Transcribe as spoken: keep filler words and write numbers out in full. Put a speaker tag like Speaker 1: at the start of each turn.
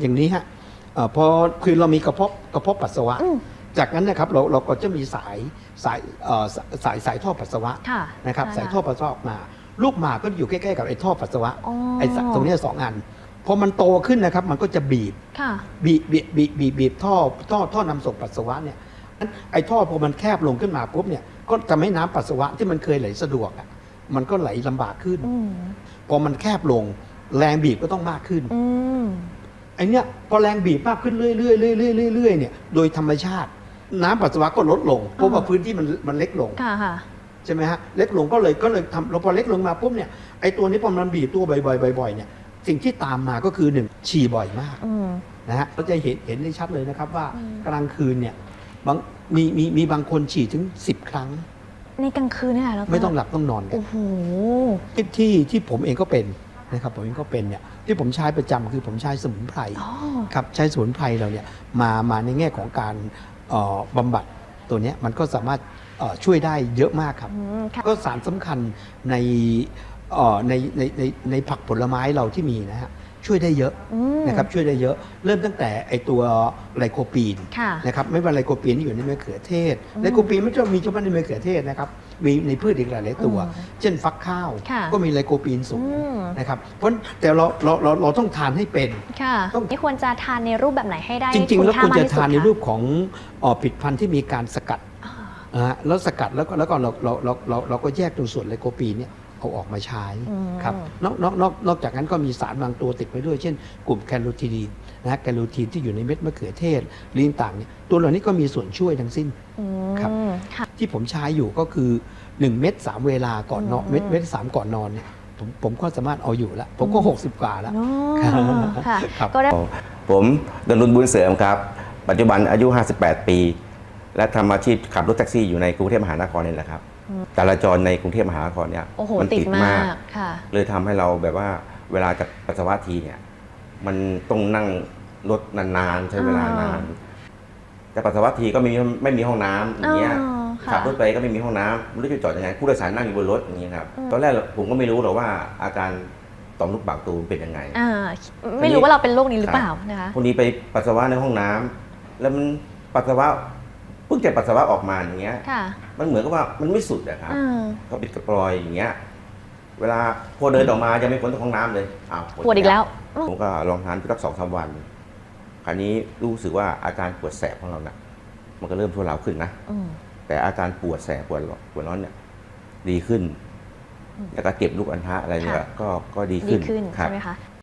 Speaker 1: อย่างนี้ฮะพอคือเรามีกระเพาะกระเพาะปัสสาวะจากนั้นนะครับเราเราก็จะมีสายสายสายสายท่อปัสสาวะนะครับสายท่อปัสสาวะออกมาลูกหมากก็อยู่ใกล้ๆกับไอ้ท่อปัสสาวะไอ้ตรงนี้สองอันพอมันโตขึ้นนะครับมันก็จะบีบบีบบีบบีบบีบบีบท่อท่อท่อนำส่งปัสสาวะเนี่ยไอ้ท่อพอมันแคบลงขึ้นมาปุ๊บเนี่ยก็จะไม่น้ำปัสสาวะที่มันเคยไหลสะดวกอ่ะมันก็ไหลลำบากขึ้นพอมันแคบลงแรงบีบก็ต้องมากขึ้นไอ้เนี่ยพอแรงบีบมากขึ้นเรื่อยๆเรื่อยๆเรื่อยๆเนี่ยโดยธรรมชาติน้ำปัสสาวะก็ลดลงเพราะว่าพื้นที่มันมันเล็กลงใช่ไหมฮะเล็กลงก็เลยก็เลยทำเราพอเล็กลงมาปุ๊บเนี่ยไอ้ตัวนี้พอมันบีบตัวบ่อยๆบ่อยๆเนี่ยสิ่งที่ตามมาก็คือหนึ่งฉี่บ่อยมากนะฮะเราจะเห็นเห็นได้ชัดเลยนะครับว่ากลางคืนเนี่ยบางมีมีมีบางคนฉี่ถึงสิบครั้ง
Speaker 2: ในกลางคืนเนี่ยแล้ว
Speaker 1: ไม่ต้องหลับต้องนอนกันโอ้โหที่ที่ที่ผมเองก็เป็นนะครับผมเองก็เป็นเนี่ยที่ผมใช้ประจำคือผมใช้สมุนไพรครับใช้สมุนไพรเราเนี่ยมามาในแง่ของการบำบัดตัวนี้มันก็สามารถช่วยได้เยอะมากครับก็สารสำคัญในในในในในผักผลไม้เราที่มีนะฮะช่วยได้เยอะนะครับช่วยได้เยอะเริ่มตั้งแต่ไอตัวไลโคปีนนะครับไม่ว่าไลโคปีนที่อยู่ในมะเขือเทศไลโคปีนไม่ใช่มีเฉพาะในมะเขือเทศนะครับมีในพืชอีกหลายๆตัวเช่นฟักข้าวก็มีไลโคปีนสูงนะครับเพราะแต่เราเราเราเราต้องทานให้เป็น
Speaker 2: ต้องนี่ควรจะทานในรูปแบบไหนให้ได้
Speaker 1: จริงๆแล้วควรจะทานในรูปของผลิตภัณฑ์ที่มีการสกัดแล้วสกัดแล้วก็แล้วก็เราเราเราเราเราก็แยกตรงส่วนไลโคปีนเนี่ยเอาออกมาใช้ครับนอกนอกนอกนอกจากนั้นก็มีสารบางตัวติดไปด้วยเช่นกลุ่มแคโรทีนนะแคโรทีนที่อยู่ในเม็ดมะเขือเทศลิ้นต่างเนี่ยตัวเหล่านี้ก็มีส่วนช่วยทั้งสิ้นครับที่ผมใช้อยู่ก็คือหนึ่งเม็ดสามเวลาก่อนนอนเม็ดเม็ดสามก่อนนอนเนี่ยผมผมก็สามารถเอาอยู่แล้วผมก็หกสิบกว่าแล้ว
Speaker 2: ครับก็ได้
Speaker 3: ผมดนุนบุญเสริมครับปัจจุบันอายุห้าสิบแปดปีและทำอาชีพขับรถแท็กซี่อยู่ในกรุงเทพมหานครนี่แหละครับจราจรในกรุงเทพมหานครเนี่ย
Speaker 2: มันติดมาก
Speaker 3: เลยทำให้เราแบบว่าเวลาจะปัสสาวะทีเนี่ยมันต้องนั่งรถนานๆใช้เวลานานจะปัสสาวะทีก็ไม่มีไม่มีห้องน้ำอย่างเงี้ยขับรถไปก็ไม่มีห้องน้ำไม่รู้จะจอดยังไงผู้โดยสารนั่งอยู่บนรถอย่างเงี้ยครับตอนแรกผมก็ไม่รู้หรอกว่าอาการต่อมลูกหมากตูเป็นยังไง
Speaker 2: ไม่รู้ว่าเราเป็นโรคนี้หรือเปล่านะคะ
Speaker 3: พวกนี้ไปปัสสาวะในห้องน้ำแล้วมันปัสสาวะเพิ่งจะปัสสาวะออกมาอย่างเงี้ยมันเหมือนกับว่ามันไม่สุดอะครับก็ปิดกระปลอยอย่างเงี้ยเวลาพอเดินออกมายังไม่พ้นจากห้องน้ำเลยอ้าว
Speaker 2: ปวดอีกแล้ว
Speaker 3: ผมก็ลองทานสักสองสามวันคราวนี้รู้สึกว่าอาการปวดแสบของเราเนี่ยมันก็เริ่มทุเลาขึ้นนะแต่อาการปวดแสบปวดปวดร้อนเนี่ยดีขึ้นแล้วก็เก็บลูกอัณฑะอะไรเนี่ยก็ก็ดีขึ้น
Speaker 2: ใช่ไหมคะ